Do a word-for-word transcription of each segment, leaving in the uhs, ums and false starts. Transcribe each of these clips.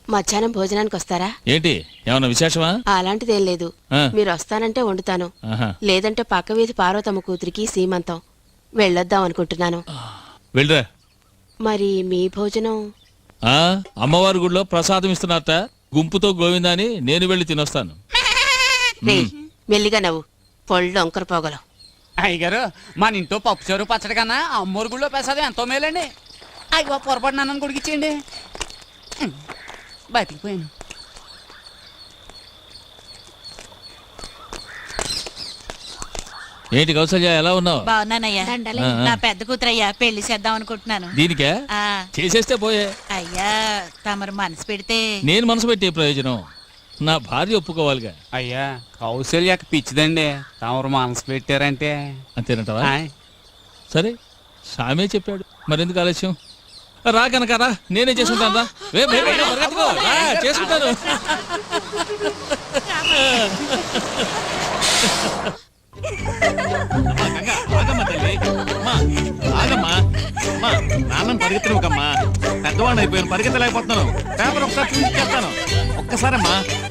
మధ్యాహ్నం భోజనానికి వస్తారా? ఏంటి ఏమన్నా విశేషమా? అలాంటిదేం లేదు. మీరు వస్తానంటే వండుతాను, లేదంటే పక్క వీధి పార్వతమ్మ కూతురికి సీమంతం వెళ్ళొద్దాం అనుకుంటున్నాను. వెళ్ళరా. మరి మీ భోజనం? అమ్మవారి గుడిలో ప్రసాదం ఇస్తున్నారట, గుంపుతో గోవిందాని నేను వెళ్ళి తినొస్తాను. మెల్లిగా నవ్వు, పొళ్ళు ఒంకర పోగలం. అయ్యగారు మన ఇంట్లో పప్పు చారు పచ్చడి కన్నా అమ్మోరు గుళ్ళో ప్రసాదం ఎంతో మేలండి. అయ్యో పొరపాటు నన్ను కొడికిచ్చేయండి, బతికిపోయాను. ఏంటి కౌసల్య, ఎలా ఉన్నావు? బాగున్నానయ్యా. నా పెద్ద కూతురయ్యా, పెళ్లి చేద్దాం అనుకుంటున్నాను. దీనికే చేసేస్తే పోయే. అయ్యా తమరు మనసు పెడితే. నేను మనసు పెట్టే ప్రయోజనం, నా భార్య ఒప్పుకోవాలిగా. అయ్యా కౌశల్యకి పిచ్చిదండి, తమరు మనసు పెట్టారంటే అంతేనంటావా? సరే, సామే చెప్పాడు, మరెందుకు ఆలస్యం? రా కనుక రా, నేనే చేసుకుంటాను. రా చేసుకుంటాను. నాన్నని పరిగెత్తలేకమ్మా, పెద్దవాడిని అయిపోయాను, పరిగెత్తలేకపోతున్నాను. పేపర్ ఒకసారి చూపించేస్తాను, ఒక్కసారమ్మా.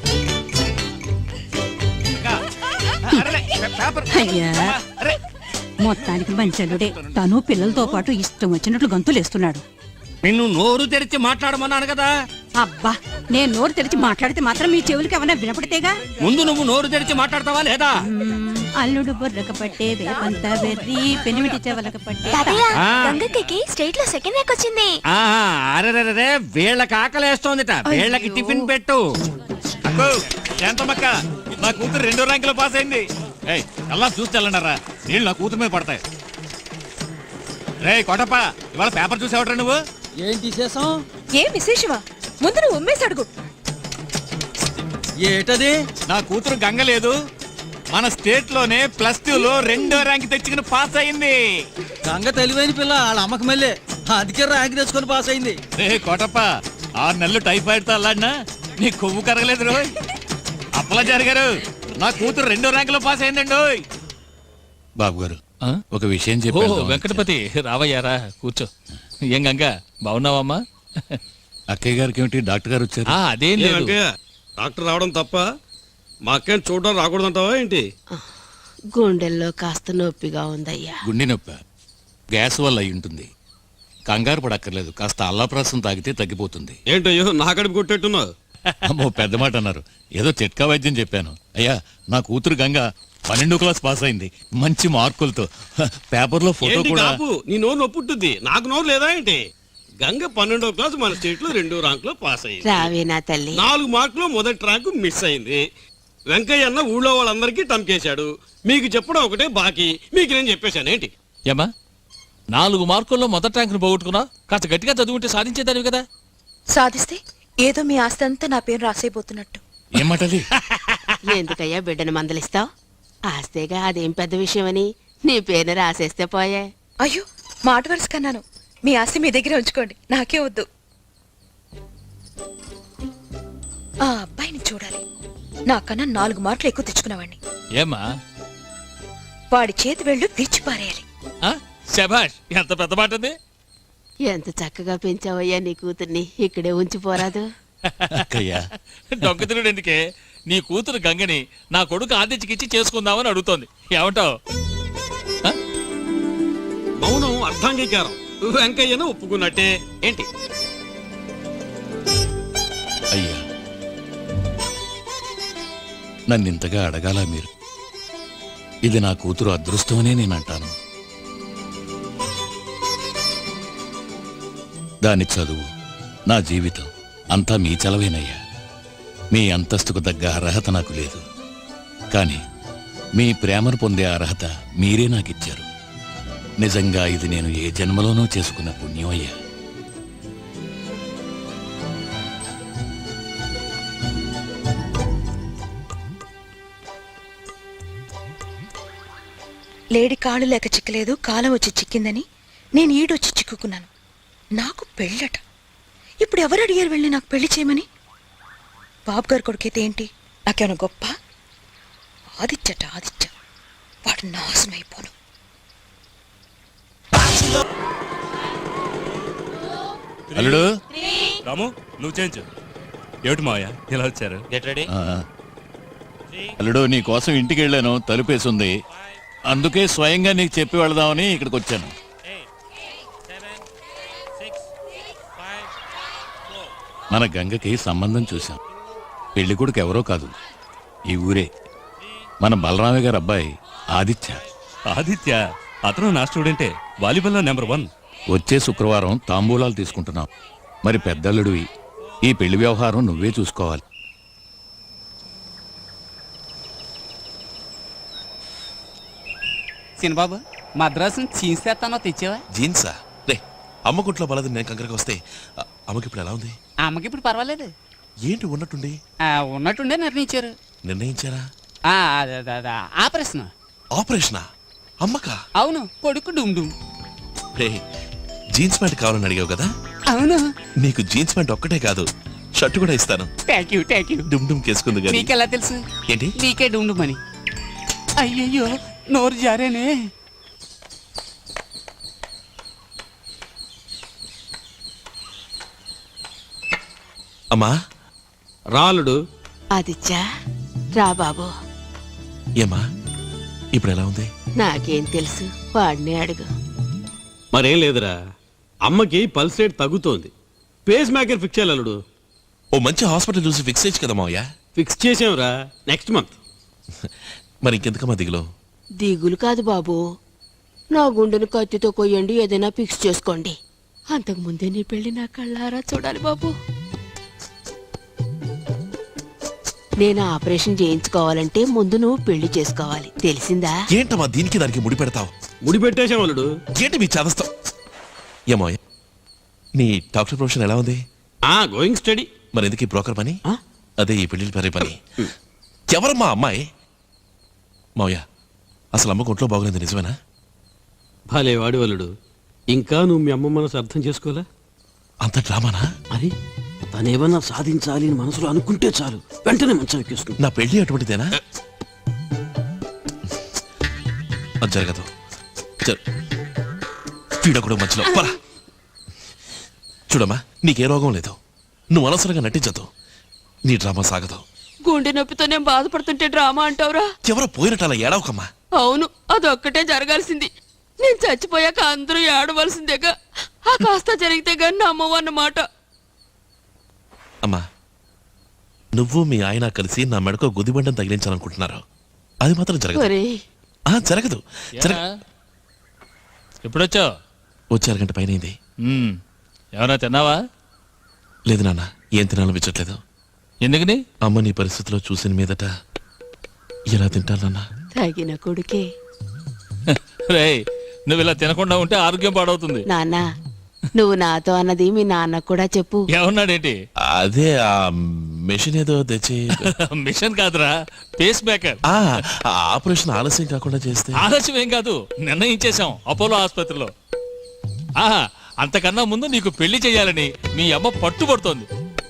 మొత్తానికి మంచలుడే, తను పిల్లలతో పాటు ఇష్టం వచ్చినట్లు గంతులేస్తున్నాడు. నిన్ను నోరు తెరిచి మాట్లాడమన్నాను కదా. అబ్బా, నేను నోరు తెరిచి మాట్లాడితే మాత్రం మీ చెవులకి ఏమైనా వినపడితేగా. ముందు నువ్వు నోరు తెరిచి మాట్లాడతావా లేదా? అల్లుడు బుర్రక పట్టే వేపంత వెర్రి పెనిమిటి చెవలక పట్టే. గంగకి స్టేట్ లో సెకండ్ ర్యాంక్ వచ్చింది. అరే, వీళ్ళకి ఆకలేస్తోందిట, వీళ్ళకి టిఫిన్ పెట్టు. శాంతమ్మక్క, నా కూతురు రెండో ర్యాంక్ లో పాస్ అయింది. అలా చూసి వెళ్ళండారా, నీళ్ళు నా కూతురు మీద పడతాయి. రే కోటప్ప, ఇవాళ పేపర్ చూసేవట్రా నువ్వు? ఏం తీసేసాం? ఏం విశేషమా? ముందు నువ్వు ఉమ్మేసి అడుగు. ఏటది? నా కూతురు గంగ లేదు, మన స్టేట్ లోనే ప్లస్ టూ లో రెండో ర్యాంక్ తెచ్చుకుని పాస్ అయింది. గంగ తెలివైన పిల్ల, వాళ్ళ అమ్మకి మళ్ళీ అందుకే ర్యాంక్ తెచ్చుకొని పాస్ అయింది. రే కోటప్ప, ఆరు నెలలు టైఫాయిడ్ తో అల్లాడినా నీ కొవ్వు కరగలేదు రోయ్. అప్పలా జరిగారు, నా కూతురు రెండో ర్యాంక్ లో పాస్ అయిందండి. బాబు గారు, ఒక విషయం చెప్పు. వెంకటపతి, రావయ్యారా, కూర్చో. ఏం గంగా, బాగున్నావమ్మా? అక్కయ్య గారికి ఏమిటి డాక్టర్ గారు వచ్చారు? అదేం లేదు. డాక్టర్ రావడం తప్ప మా అక్కని చూడడం రాకూడదంటావా ఏంటి? గుండెల్లో కాస్త నొప్పిగా ఉందయ్యా. గుండె నొప్పి గ్యాస్ వల్ల అయి ఉంటుంది, కంగారు పడక్కర్లేదు, కాస్త అల్లాప్రాసం తాగితే తగ్గిపోతుంది. ఏంటయ్యో నా కడుపు కొట్టేట్టున్నావు? అమ్మో, పెద్ద మాట అన్నారు, ఏదో చిట్కా వైద్యం చెప్పాను. అయ్యా, నా కూతురు గంగ పన్నెండో క్లాస్ పాస్ అయింది, మంచి మార్కులతో. పేపర్ లో ఫోటో కూడా. నీ నోరు నొప్పుంటుంది, నాకు నోరు లేదా ఏంటి? గంగ పన్నెండో క్లాస్ మన స్టేట్ లో రెండో ర్యాంక్ లో పాస్ అయింది. రావేనా తల్లి? నాలుగు మార్కులు మొదటి ర్యాంకు మిస్ అయింది. వెంకయ్య అన్న ఊళ్ళో వాళ్ళందరికీ టంకేశాడు, మీకు చెప్పడం ఒకటే బాకీ, మీకు నేను చెప్పేశాను ఏంటి? ఏమా, నాలుగు మార్కుల్లో మొదటి ర్యాంకును పోగొట్టుకున్నా, కాస్త గట్టిగా చదువుకుంటే సాధించేదానివి కదా. సాధిస్తే ఏదో మీ ఆస్తి అంతా నా పేరు రాసైపోతున్నట్టు. ఏమంటది? ఎందుకయ్యా బిడ్డను మందలిస్తావు? ఆస్తేగా, అదేం పెద్ద విషయమని నీ పేరుని రాసేస్తే పోయే. అయ్యో, మాట వరుస కన్నాను. మీ ఆస్తి మీ దగ్గర ఉంచుకోండి, నాకే వద్దు. ఆ అబ్బాయిని చూడాలి, నాకన్నా నాలుగు మార్కులు ఎక్కువ తెచ్చుకున్నవాడిని. ఏమా, వాడి చేతి వెళ్ళు విరిచి పారేయాలి. శభాష్, ఎంత పెద్ద మాట ఉంది. ఎంత చక్కగా పెంచావయ్యా నీ కూతుర్ని, ఇక్కడే ఉంచిపోరాదు? దొంగతినుడు ఎందుకే, నీ కూతురు గంగని నా కొడుకు ఆదిత్యకిచ్చి చేసుకుందామని అడుగుతోంది, ఏమంటావు? మౌనం అర్థాంగీకారం, వెంకయ్యను ఒప్పుకున్నట్టే ఏంటి? అయ్యా, నన్నింతగా అడగాల మీరు? ఇది నా కూతురు అదృష్టమనే నేనంటాను. దాని చదువు, నా జీవితం అంతా మీ చలవేనయ్యా. మీ అంతస్తుకు తగ్గ అర్హత నాకు లేదు, కానీ మీ ప్రేమను పొందే అర్హత మీరే నాకిచ్చారు. నిజంగా ఇది నేను ఏ జన్మలోనూ చేసుకున్న పుణ్యం అయ్యా. లేడి కాళ్ళు లేక చిక్కలేదు, కాలం వచ్చి చిక్కిందని నేను ఈడొచ్చి చిక్కుకున్నాను. నాకు పెళ్ళట. ఇప్పుడు ఎవరు అడిగారు వెళ్ళి నాకు పెళ్లి చేయమని? బాబు గారు కొడుకైతే ఏంటి, నాకేమైనా గొప్ప? ఆదిత్యట ఆదిత్య, వాడు నాశనమైపోను. అల్లుడు, రాము, నువ్వు చేయించు. ఏమిటి మావయ్య ఇలా వచ్చారు? Get ready. ఆ. అల్లుడు నీ కోసం ఇంటికి వెళ్ళాను, తలుపేసింది. అందుకే స్వయంగా నీకు చెప్పి వెళదామని ఇక్కడికి వచ్చాను. మన గంగకి సంబంధం చూశాం. పెళ్లి కొడుకు ఎవరో కాదు, ఈ ఊరే మన బలరామయ్య గారు అబ్బాయి ఆదిత్య. ఆదిత్య అతను నా స్టూడెంటే, వాలీబాల్లో నెంబర్ వన్. వచ్చే శుక్రవారం తాంబూలాలు తీసుకుంటున్నాం. మరి పెద్దల్లుడివి, ఈ పెళ్లి వ్యవహారం నువ్వే చూసుకోవాలి. సినిబాబు మద్రాసు జీన్స్ తెస్తానో తెచ్చావా? జీన్సా? రే అమ్మ గుట్లో బలది నేను కంకరకి వస్తే అ- అమ్మకి ఇప్పుడు ఎలా ఉంది? అమ్మకి ఇప్పుడు పర్వాలేదు. ఏంటి ఉన్నట్టుండి ఆ, ఉన్నట్టుండే నిర్ణయించారు. నిర్ణయించారా? ఆ, అదే, అదే, అదే, ఆపరేషన్. ఆపరేషనా? అమ్మకా? అవును, కొడుకు డుమ్ డుమ్. రే జీన్స్ ప్యాంట్ కావాలని అడిగావు కదా, అవును. నీకు జీన్స్ ప్యాంట్ ఒక్కటే కాదు షర్ట్ కూడా ఇస్తాను. Thank you thank you. డుమ్ డుమ్ కేసుకుంది కానీ నీకెలా తెలుసు? ఏంటి? నీకే డుమ్ డుమ్ అని. అయ్యయ్యో నోరు జారేనే. అమ్మా రాలుడు. ఆదిత్య రా బాబు. ఏమ్మా ఇప్పుడు ఎలా ఉంది? నాకేం తెలుసు, వాడిని అడుగు. మరేం లేదురా, అమ్మకి పల్స్ రేట్ తగ్గుతోంది. పేస్ మేకర్ ఫిక్స్ చేయాలి అల్లుడు. ఓ మంచి హాస్పిటల్ చూసి ఫిక్స్ చేయొచ్చు కదా మావయ్య. ఫిక్స్ చేసాంరా, నెక్స్ట్ మంత్. మరి ఇంకెందుకమ్మా దిగులో? దిగులు కాదు బాబు, నా గుండెను కత్తితో కొయ్యండి, ఏదైనా ఫిక్స్ చేసుకోండి. అంతకు ముందే నీ పెళ్లి నా కళ్ళారా చూడాలి బాబు. నేను ఆపరేషన్ చేయించుకోవాలంటే ముందు నువ్వు పెళ్లి చేసుకోవాలి, తెలిసిందా? ఏంటమ్మా దీనికి దానికి ముడి పెడతావు? ముడి పెట్టేశాం అల్లుడు. ఏంటి మీ చేదస్తావు? ఏమో నీ డాక్టర్ ప్రొఫెషన్ ఎలా ఉంది? ఆ గోయింగ్ స్టడీ. మరి ఎందుకు ఈ బ్రోకర్ పని? అదే ఈ పెళ్లి పరే పని. ఎవరమ్మా అమ్మాయి? మావయ్య అసలు అమ్మకు ఒంట్లో బాగోలేదు నిజమేనా? భలే వాడి అల్లుడు, ఇంకా నువ్వు మీ అమ్మ మనసు అర్థం చేసుకోలే. అంత డ్రామానా? మరి తనేమన్నా సాధించాలి అని మనసులో అనుకుంటే చాలు, వెంటనే మంచం ఎక్కేసుకుంది. నా పెళ్లి అటువంటిదేనా? అది జరగదు. పీడకుడు మధ్యలో పరా. చూడమ్మా నీకే రోగం లేదు, నువ్వు అనవసరంగా నటించదు, నీ డ్రామా సాగదు. గుండె నొప్పితో నేను బాధపడుతుంటే డ్రామా అంటావురా? ఎవరో పోయినట్టు అలా ఏడవకమ్మా. అవును, అదొక్కటే జరగాల్సింది. నేను చచ్చిపోయాక అందరూ ఏడవలసిందేగా. ఆ కాస్త జరిగితే గాని నమ్మవన్నమాట. అమ్మా నువ్వు మీ ఆయన కలిసి నా మెడకు గుదిబండం తగిలించాలనుకుంటున్నారు, అది మాత్రం జరగదు. ఒరేయ్, ఆ, జరగదు. జరగ ఎప్పుడొచ్చావు? వచ్చే అరగంట పైన అయింది. ఏమన్నా తిన్నావా? లేదు నాన్న, ఏం తినాలనిపించట్లేదు. ఎందుకని? అమ్మ నీ పరిస్థితిలో చూసిన మీదట ఎలా తింటానన్నా? తగిన కొడుకే. రేయ్ నువ్వు ఇలా తినకుండా ఉంటే ఆరోగ్యం పాడవుతుంది. నాన్న, నువ్వు నాతో అన్నది మీ నాన్న కూడా చెప్పు. ఏమన్నాడేంటి? అదే ఆ మెషిన్ ఏదో తెచ్చి. మిషన్ కాదురా, పేస్ మేకర్. ఆ ఆపరేషన్ ఆలస్యం కాకుండా చేస్తే. ఆలస్యం ఏం కాదు, నిర్ణయించేశాం అపోలో ఆసుపత్రిలో. ఆహా, అంతకన్నా ముందు నీకు పెళ్లి చేయాలని మీ అమ్మ పట్టుబడుతోంది.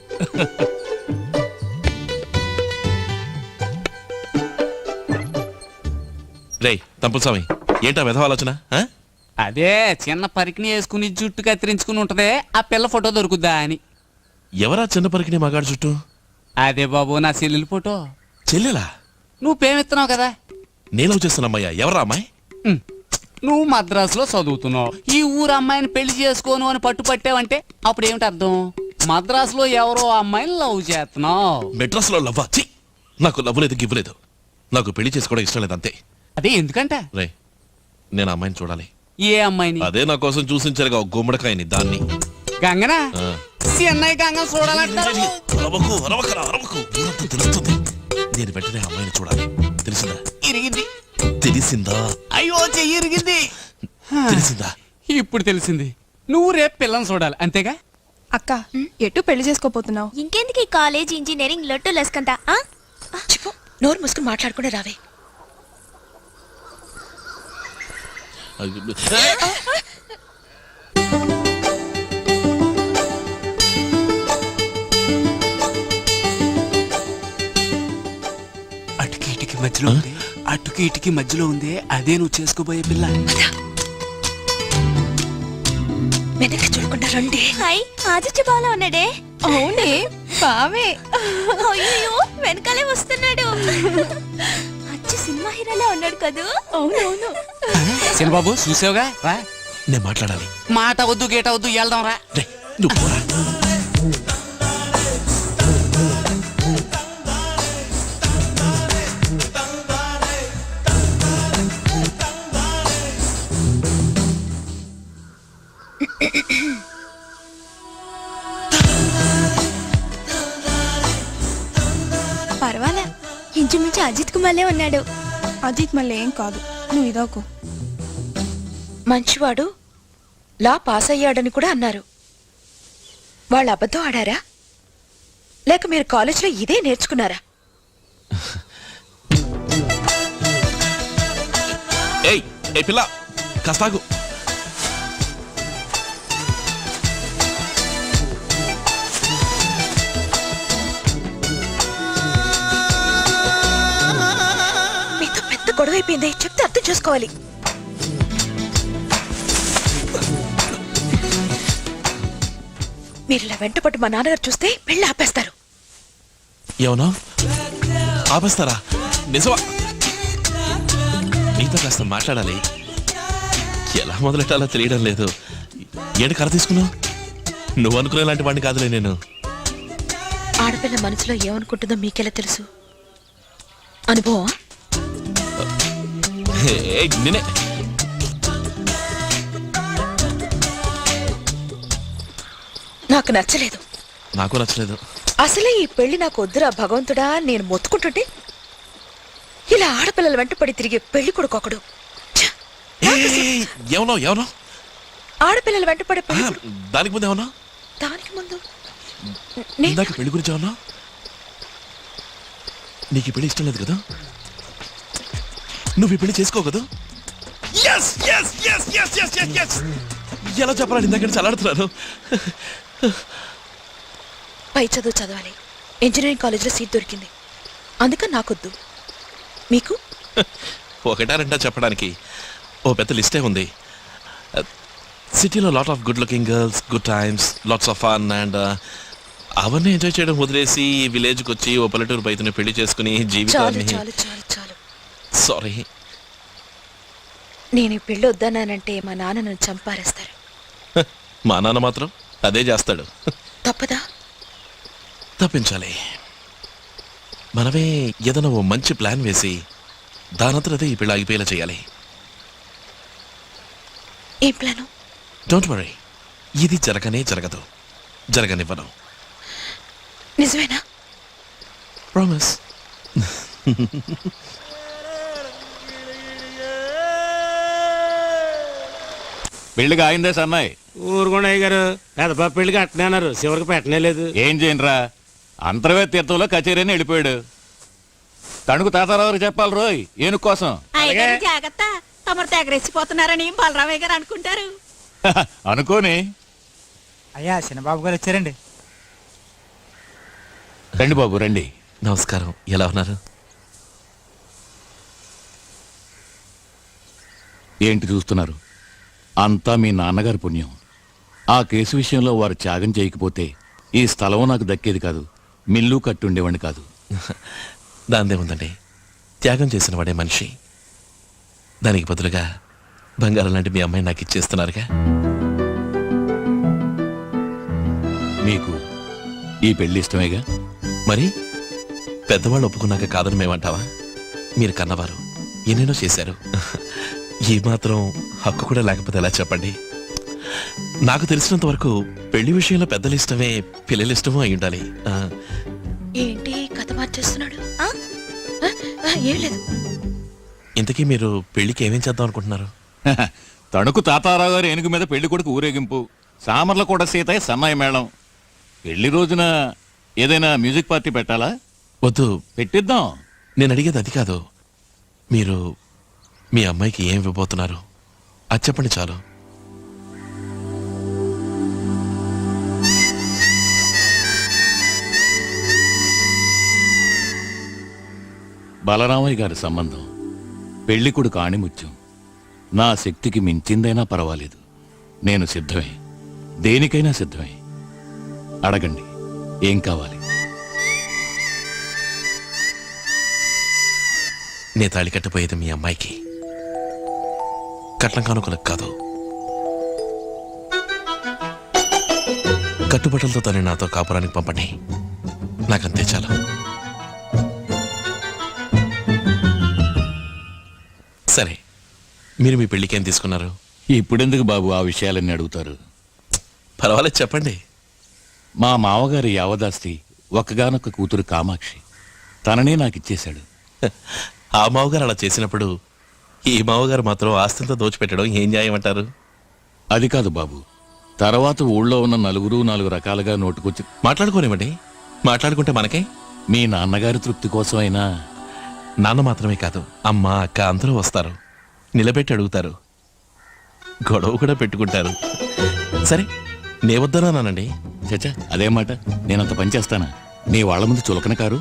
రేయ్ తంపుస్వామి, ఏంటా విధవ ఆలోచన? ఆ? అదే చిన్న పరికిని వేసుకుని జుట్టు కత్తిరించుకుని ఉంటదే, ఆ పిల్ల ఫోటో దొరుకుద్దా అని. ఎవరా చిన్న పరికిని మగాడు చుట్టూ? అదే బాబు నా చెల్లెలి ఫోటో. చెల్లెలా? నువ్వు పేమెత్తున్నావు కదా. నేను చేస్తున్నమ్మయ్యా. ఎవరా అమ్మాయి? ఉమ్, నువ్వు మద్రాసులో చదువుతున్నావు, ఈ ఊరు అమ్మాయిని పెళ్లి చేసుకోను అని పట్టుపట్టావంటే అప్పుడు ఏమిటి అర్థం? మద్రాసులో ఎవరో అమ్మాయిని లవ్ చేస్తున్నావు. మెడ్రాస్ లో లవ్వా? ఛీ! నాకు లవ్ లేదు గివ్వలేదు, నాకు పెళ్లి చేసుకోవడం ఇష్టం లేదు అంతే. అదే ఎందుకంట? రే నేను అమ్మాయిని చూడాలి. ఏ అమ్మాయిని? అదే నా కోసం చూసించారుగా గుమ్మడికాయని, దాన్ని. గంగనా? ఆ. చెన్నై గంగ చూడాలంటారు. అరవకు, అరవకురా, అరవకు. ఊరంతా తెలుస్తుంది. నేను వెంటనే అమ్మాయిని చూడాలి. తెలిసిందా? ఇరిగింది. తెలిసిందా? అయ్యో చెయ్యి ఇరిగింది. తెలిసిందా? ఇప్పుడు తెలిసింది. నువ్వు రేపు పిల్లని చూడాలి అంతేగా? అక్క ఎటు పెళ్లి చేసుకోపోతున్నావు? ఇంకెందుకు ఈ కాలేజ్ ఇంజనీరింగ్ లొట్టు లెస్కంతా? చెప్పు, నోరు మూసుకుని మాట్లాడుకునే రావే. అటుకి ఇటుకి మధ్యలో ఉంది, అటుకి ఇటుకి మధ్యలో ఉంది, అదే నువ్వు చేసుకోబోయే పిల్ల. వెనక్కి చూడకుండా రండి. హాయ్, ఆదిత్య బాలా ఉన్నాడే. అవునే, బావే అయ్యో వెనకాలే వస్తున్నాడు. అచ్చి సినిమా హీరోలా ఉన్నాడు కదూ. అవునవును. బాబు చూసావుగా రా. నేను మాట్లాడాలి. మాట వద్దు గేట వద్దు వెళ్దాం రా. రే, నువ్వు పోరా. పర్వాలా, ఇంచుమించు అజిత్ కుమార్లే ఉన్నాడు. అజిత్ మళ్ళీ ఏం కాదు, నువ్వు ఇదోకు. మంచివాడు, లా పాస్ అయ్యాడని కూడా అన్నారు. వాళ్ళు అబద్ధం ఆడారా లేక మీరు కాలేజీలో ఇదే నేర్చుకున్నారా? ఏయ్ ఏ పిల్ల కాస్తాగు. మీతో పెద్ద గొడవ అయిపోయింది, చెప్తే అర్థం చేసుకోవాలి. మీరు ఇలా వెంటపట్టు మా నాన్నగారు చూస్తే పెళ్లి ఆపేస్తారు. ఏమన్నా ఆపేస్తారా? నిజమా? నీతో కాస్త మాట్లాడాలి. ఎలా మొదలెట్టాలో తెలియడం లేదు. ఏంటి కర తీసుకున్నావు? నువ్వు అనుకునే లాంటి వాడిని కాదులే నేను. ఆడపిల్ల మనసులో ఏమనుకుంటుందో మీకెలా తెలుసు? అనుభవం? నేనే నాకు నచ్చలేదు. నాకు నచ్చలేదు. అసలే ఈ పెళ్లి నాకు వద్దురా భగవంతుడా నేను మొత్తుకుంటుంటే ఇలా ఆడపిల్లల వెంట పడి తిరిగే పెళ్లి కొడుకొకడు. ఏమన్నా ఏమన్నా ఆడపిల్లల వెంట పడే పెళ్లి దానికి ముందు ఏమన్నా? దానికి ముందు ఇందాక పెళ్లి గురించి ఏమన్నా? నీకు ఈ పెళ్లి ఇష్టం లేదు కదా? నువ్వు ఈ పెళ్లి చేసుకో కదా? ఎలా చెప్పాలని ఇందాక చల్లాడుతున్నాను. పై చదువు చదవాలి, ఇంజనీరింగ్ కాలేజీలో సీట్ దొరికింది, అందుకని నాకొద్దు. మీకు ఒకటా రెండా చెప్పడానికి ఓ పెద్ద లిస్టే ఉంది. సిటీలో lot of good looking girls, good times, lots of fun and అవన్నీ ఎంజాయ్ చేయడం వదిలేసి విలేజ్కి వచ్చి ఓ పల్లెటూరు బయటని పెళ్లి చేసుకుని జీవితాన్ని. చాలు చాలు చాలు. సారీ, నేను ఈ పెళ్లి వద్దన్నానంటే మా నాన్న నన్ను చంపారేస్తారు. మా నాన్న మాత్రం అదే చేస్తాడు. తప్పదా? తప్పించాలి. మనమే ఏదైనా ఓ మంచి ప్లాన్ వేసి దానంతరదే ఈ పెళ్లి ఆగిపోయేలా చేయాలి. ఏం ప్లాను? డోంట్ వరీ, ఇది జరగనే జరగదు, జరగనివ్వను. నిజమేనా? ప్రామిస్. పెళ్లిగా అయిందే సన్నాయి. ఊరుకోండి అయ్య గారు, పెద్దబాబు పెళ్లికి అట్టనే అన్నారు, చివరికి పెట్టనే లేదు. ఏం చేయనురా, అంతర్వే తీర్థంలో కచేరీని వెళ్ళిపోయాడు. తణుకు తాతారావు చెప్పాలి రోయ్ ఏను కోసం. జాగ్రత్త, తమరు తెగరెచ్చిపోతున్నారని బలరామయ్య గారు అనుకుంటారు. అనుకోని. అయ్యా చిన్నబాబు గారు వచ్చారండి. రండి బాబు రండి. నమస్కారం, ఎలా ఉన్నారు? ఏంటి చూస్తున్నారు? అంతా మీ నాన్నగారి పుణ్యం. ఆ కేసు విషయంలో వారు త్యాగం చేయకపోతే ఈ స్థలం నాకు దక్కేది కాదు, మిల్లు కట్టుండేవాడిని కాదు. దాందే ఉందండి, త్యాగం చేసిన వాడే మనిషి. దానికి బదులుగా బంగారం లాంటి మీ అమ్మాయి నాకు ఇచ్చేస్తున్నారుగా. మీకు ఈ పెళ్లి ఇష్టమేగా? మరి పెద్దవాళ్ళు ఒప్పుకున్నాక కాదని మేమంటావా? మీరు కన్నవారు ఎన్నెన్నో చేశారు. ఈ మాత్రం హక్కు కూడా లేకపోతే ఎలా చెప్పండి? నాకు తెలిసినంత వరకు పెళ్లి విషయంలో పెద్దలు ఇష్టమే పిల్లలు ఇష్టమో అయి ఉండాలి. ఏంటి కథ మార్చేస్తున్నాడు? ఏం లేదు. ఇంతకీ మీరు పెళ్లికి ఏమేం చేద్దాం అనుకుంటున్నారు? తణుకు తాతారావు గారు ఏనుగు మీద పెళ్లి కొడుకు ఊరేగింపు, సామర్ల కూడా సీతయ్య సన్నాయి మేళం. పెళ్లి రోజున ఏదైనా మ్యూజిక్ పార్టీ పెట్టాలా? వద్దు, పెట్టిద్దాం. నేను అడిగేది అది కాదు. మీరు మీ అమ్మాయికి ఏం ఇవ్వబోతున్నారు అది చెప్పండి చాలు. బలరామయ్య గారి సంబంధం పెళ్లికుడు కాణిముత్యం. నా శక్తికి మించిందైనా పర్వాలేదు, నేను సిద్ధమే, దేనికైనా సిద్ధమే. అడగండి. ఏం కావాలి? నే తాళి కట్టబోయేది మీ అమ్మాయికి, కట్నం కానుకలకు కాదు. కట్టుబట్టలతో తను నాతో కాపురానికి పంపండి, నాకంతే చాలు. సరే, మీరు మీ పెళ్లికి ఏం తీసుకున్నారు? ఇప్పుడెందుకు బాబు ఆ విషయాలన్నీ అడుగుతారు? పర్వాలేదు చెప్పండి. మా మావగారి యావదాస్తి ఒక్కగానొక్క కూతురు కామాక్షి, తననే నాకు ఇచ్చేశాడు. ఆ మావగారు అలా చేసినప్పుడు ఈ మావగారు మాత్రం ఆస్తితో దోచిపెట్టడం ఏం న్యాయం అంటారు? అది కాదు బాబు, తర్వాత ఊళ్ళో ఉన్న నలుగురు నాలుగు రకాలుగా నోటుకొచ్చి మాట్లాడుకోనివ్వండి. మాట్లాడుకుంటే మనకే. మీ నాన్నగారి తృప్తి కోసమైనా. నాన్న మాత్రమే కాదు, అమ్మ అక్క అందరూ వస్తారు, నిలబెట్టి అడుగుతారు, గొడవ కూడా పెట్టుకుంటారు. సరే, నే వద్దనానండి. చచ్చా, అదే మాట. నేనంత పని చేస్తానా? నీ వాళ్ళ ముందు చులకన కారు.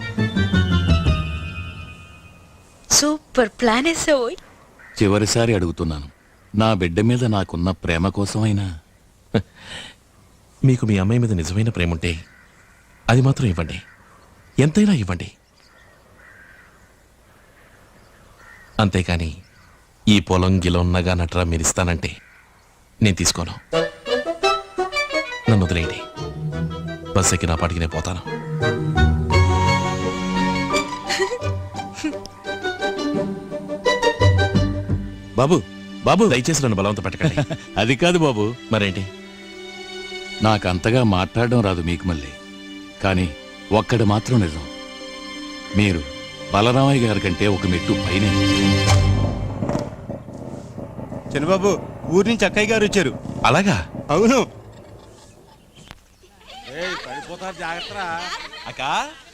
Super plan వేసావోయ్. చివరిసారి అడుగుతున్నాను, నా బిడ్డ మీద నాకున్న ప్రేమ కోసమైనా. మీకు మీ అమ్మాయి మీద నిజమైన ప్రేమ ఉంటే అది మాత్రం ఇవ్వండి, ఎంతైనా ఇవ్వండి. అంతేకాని ఈ పొలం గిలం నగా నట్రా మీరిస్తానంటే నేను తీసుకోను. నన్ను వదిలేయండి, బస్ ఎక్కి నా పాటికి నేను పోతాను. బాబు బాబు దయచేసి నన్ను బలవంత పెట్టకండి. అది కాదు బాబు. మరేంటి? నాకంతగా మాట్లాడడం రాదు మీకు మళ్ళీ, కానీ ఒక్కడు మాత్రం నిజం, మీరు బలరామయ్య గారి కంటే ఒక మెట్టు పైనే. చిన్నబాబు, ఊరి నుంచి అక్కయ్య గారు వచ్చారు. అలాగా? అవును. పడిపోతారు, జాగ్రత్త. అక్కా,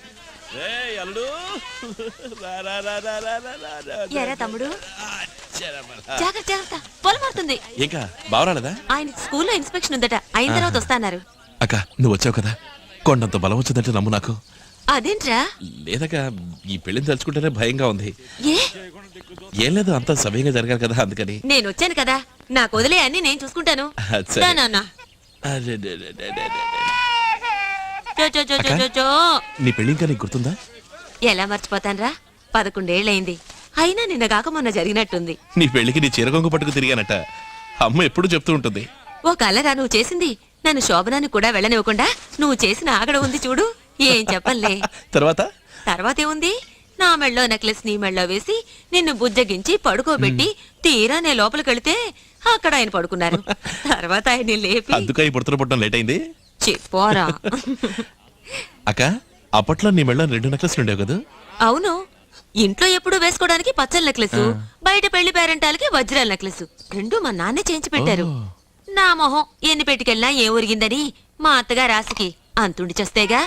ఎరా తమ్ముడు, జాగ్రత్త జాగ్రత్త, పొలం అవుతుంది. ఇంకా బావరాలేదా? ఆయన స్కూల్లో ఇన్స్పెక్షన్ ఉందట, అయిన తర్వాత వస్తాన్నారు. అక్క, నువ్వు వచ్చావు కదా, కొండంత బలం వచ్చిందంటే నమ్ము నాకు. అదేంట్రా? లేదక్క, ఈ పెళ్లిని తలుచుకుంటేనే భయంగా ఉంది. ఏ? ఏం లేదు, అంతా సమయంగా జరగాలి కదా, అందుకని. నేను వచ్చాను కదా, నాకు వదిలే అన్ని నేను చూసుకుంటాను. సరే. దా నాన్న. అరే, డే, డే, డే, డే, డే. చో చో చో చో చో చో. నీ పెళ్లి ఇంకా నీకు గుర్తుందా? ఎలా మర్చిపోతాన్రా, పదకొండేళ్లయింది. అయినా నిన్న కాక మొన్న జరిగినట్టుంది. నీ పెళ్లికి నీ చీరకొంగు పట్టుకు తిరిగానట, అమ్మ ఎప్పుడు చెప్తూ ఉంటుంది. ఓ కలరా నువ్వు చేసింది? నన్ను శోభనానికి కూడా వెళ్ళనివ్వకుండా నువ్వు చేసిన ఆగడ ఉంది చూడు, ఏం చెప్పలే. తర్వాత తర్వాతేముంది, నా మెళ్ళో నెక్లెస్ నీ మెళ్ళో వేసి నిన్ను బుజ్జగించి పడుకోబెట్టి తీరా నే లోపలికెళితే అక్కడ ఆయన పడుకున్నారు. తర్వాత ఆయన లేపి అందుక ఈ పుడతలు పుట్టడం లేట్ అయింది. చెప్పోరా. అక్క, అప్పట్లో నీ మెళ్ళ రెండు నెక్లెస్లు ఉండేవి కదా? అవును, ఇంట్లో ఎప్పుడు వేసుకోవడానికి పచ్చల నెక్లెస్, బయట పెళ్లి పేరెంటాలకి వజ్రాల నెక్లెస్, రెండు మా నాన్నే చేయించి పెట్టారు. నా మొహం ఎన్ని పెట్టుకెళ్ళినా ఏం ఒరిగిందని మా అత్తగా రాసికి అంతుండి చేస్తేగా.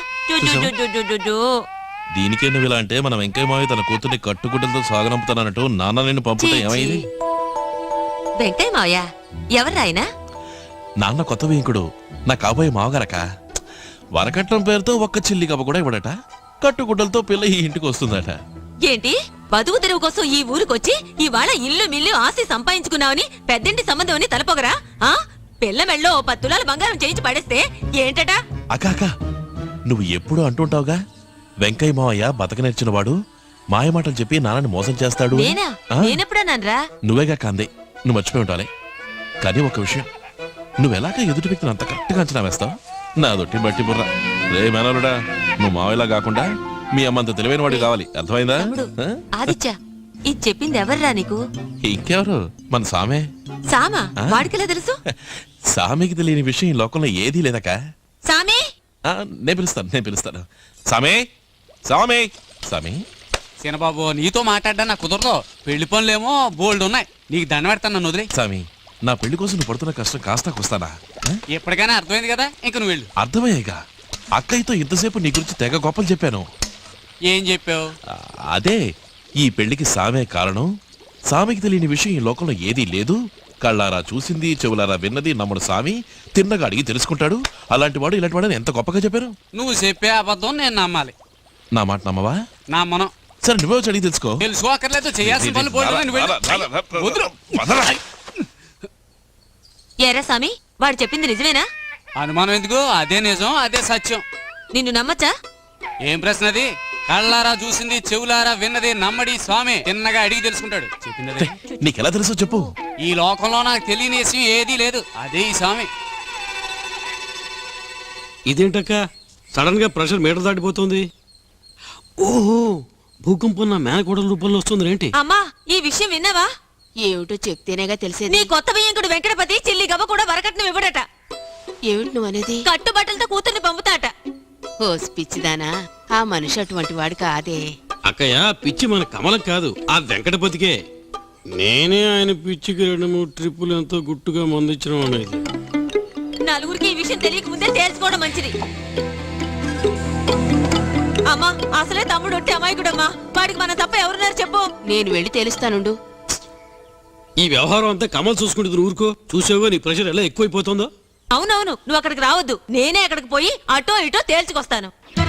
దీనికే నువ్వు ఇలా అంటే మన వెంకయ్య మావి తన కూతుర్ని కట్టుకుంటలతో సాగనంపుతానట్టు నాన్న నిన్ను పంపుతా ఏమైంది? వెంకయ్య మావయ్య ఎవరాయన? నాన్న కొత్త వేంకుడు, నా కాబోయే మావగారక. వరకట్నం పేరుతో ఒక్క చిల్లి కప్ప కూడా ఇవ్వడట, కట్టుగుడ్డలతో పిల్ల ఈ ఇంటికి వస్తుందట. ఏంటి, బతుకు తెరువు కోసం ఈ ఊరికొచ్చి ఇవాళ ఇల్లు మిల్లు ఆస్తి సంపాదించుకున్నావని పెద్దంటి సంబంధం అని తలపోగరా? ఆ పిల్ల మెళ్ళో పది తులాల బంగారం చేయించి పడేస్తే ఏంటట? అక్క అక్క, నువ్వు ఎప్పుడు అంటుంటావుగా, వెంకయ్య మావయ్య బతక నేర్చినవాడు, మాయమాటలు చెప్పి నాన్నని మోసం చేస్తాడు. నేనా? నేనెప్పుడన్నాన్రా? నువ్వేగా కాందే, నువ్వు మర్చిపోయి ఉండాలి. కానీ ఒక విషయం, నువ్వెలాగా ఎదుటి వ్యక్తిని అంత కరెక్ట్గా అంచనా వేస్తావు? నా దొట్టి బట్టి బుర్ర. రే మేనలుడా, నువ్వు మావయ్యలా కాకుండా మీ అమ్మంత తెలివైన వాడు కావాలి, అర్థమైందా? ఆదిత్య, ఇది చెప్పింది ఎవర్రా నీకు? ఇంకెవరు, మన సామే. సామా? వాడికెలా తెలుసు? సామికి తెలియని విషయం ఈ లోకంలో ఏదీ లేదక్క. సామే, నేను పిలుస్తాను నేను పిలుస్తాను సామే, సామే, సామి. సీనబాబు, నీతో మాట్లాడ్డా నాకు కుదరదు. పెళ్లి పనులేమో బోల్డ్ ఉన్నాయి, నీకు దండ పెడతాను, నన్ను వదిలే. సామి, నా పెళ్లి కోసం నువ్వు పడుతున్న కష్టం కాస్త వస్తానా? ఎప్పటికైనా అర్థమైంది కదా, ఇంక నువ్వు వెళ్ళు. అర్థమయ్యాగా, అక్కయ్యతో ఇంతసేపు నీ గురించి తెగ గొప్పలు చెప్పాను. ఏం చెప్పావు? అదే, ఈ పెళ్లికి సామే కారణం, సామికి తెలియని విషయం ఈ లోకంలో ఏదీ లేదు, కళ్ళారా చూసింది చెవులారా విన్నది నమ్ముడు సామి, తిన్నగా అడిగి తెలుసుకుంటాడు, అలాంటి వాడు ఇలాంటి వాడు ఎంత గొప్పగా చెప్పారు. నువ్వు చెప్పే అబద్ధం నేను నమ్మాలి. నా మాట నమ్మవా? నమ్మను. సరే, నువ్వే వచ్చి అడిగి తెలుసుకో. తెలుసుకోకర్లేదు, చేయాల్సిన పనులు బోల్డ్ ఉన్నాయి, నువ్వు వెళ్ళు. ఎరా సామి, వాడు చెప్పింది నిజమేనా? అనుమానం ఎందుకు, అదే నిజం, అదే సత్యం. నిన్ను నమ్మచ్చా? ఏం ప్రశ్న అది? కళ్ళారా చూసింది, చెవులారా విన్నది నమ్మడి స్వామి తిన్నగా అడిగి తెలుసుకుంటాడు. చెప్పింది నీకెలా తెలుసో చెప్పు. ఈ లోకంలో నాకు తెలియని విషయం ఏదీ లేదు, అదే ఈ స్వామి. ఇదేంటక్క సడన్ గా ప్రెషర్ మీటర్ దాటిపోతుంది? ఓహో, భూకంపం నా మేనకోడల రూపంలో వస్తుంది ఏంటి? అమ్మా, ఈ విషయం విన్నావా? ఏమిటో చెప్తేనేగా తెలిసేది. నీ కొత్త బియ్యంకుడు వెంకటపతి చిల్లి గవ్వ కూడా వరకట్నం ఇవ్వడట. ఏమిటి నువ్వు అనేది? కట్టుబట్టలతో కూతుర్ని పంపుతాట. ఓస్ పిచ్చిదానా, ఆ మనిషి అటువంటి వాడు కాదే. అక్కయ్య, పిచ్చి మన కమలం కాదు, ఆ వెంకటపతికే. నేనే ఆయన పిచ్చికి రెండు మూడు ట్రిప్పులు ఎంతో గుట్టుగా మందించడం అనేది. నలుగురికి ఈ విషయం తెలియక ముందే తేల్చుకోవడం మంచిది. అమ్మా, అసలే తమ్ముడు ఒట్టి అమాయకుడమ్మా. వాడికి మన తప్ప ఎవరున్నారు చెప్పు. నేను వెళ్ళి తెలుస్తానుండు. ఈ వ్యవహారం అంతా కమల్ చూసుకుంటుంది. ఊరుకో, చూసావో నీ ప్రెషర్ ఎలా ఎక్కువైపోతుందో. అవునవును, నువ్వు అక్కడికి రావద్దు. నేనే అక్కడికి పోయి అటో ఇటో తేల్చుకొస్తాను.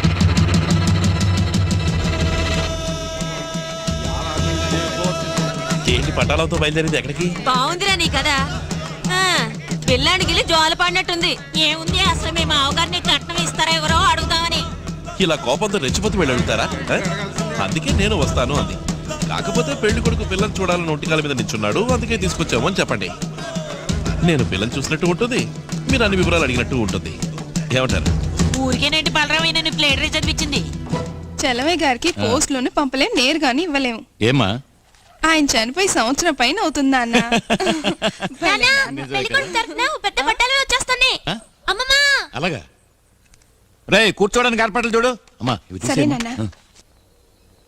ఏంటి పట్టాలతో బయలుదేరింది ఎక్కడికి? బాగుందిరా నీ కదా. పిల్లాడికి వెళ్ళి జోల పడినట్టుంది. ఏముంది, అసలు మీ మావగారిని కట్నం ఇస్తారా ఎవరో అడుగుతామని. ఇలా కోపంతో రెచ్చిపోతూ వెళ్ళి అడుగుతారా? ఆ? అందుకే నేను వస్తాను అంది. కాకపోతే పెళ్లి కొడుకు పిల్లలు చూడాలని ఒంటికాల మీద నించున్నాడు, అందుకే తీసుకొచ్చాము అని చెప్పండి. నేను పిల్లలు చూసినట్టు ఉంటుంది, మీరు అన్ని వివరాలు అడిగినట్టు ఉంటుంది. ఏమంటారు? ఊరికేనండి బలరామైన ప్లేటరీ చదివించింది. చలవయ్య గారికి పోస్ట్ లోనే పంపలేం, నేరుగాని ఇవ్వలేము. ఏమా? ఆయన చనిపోయి సంవత్సరం పైన అవుతుందా అన్న? పెద్ద బట్టలు వచ్చేస్తున్నాయి. అలాగా రే, కూర్చోడానికి ఏర్పాట్లు చూడు. అమ్మా, ఇవి సరే తీసేయమ్మా. నాన్న. ఆ.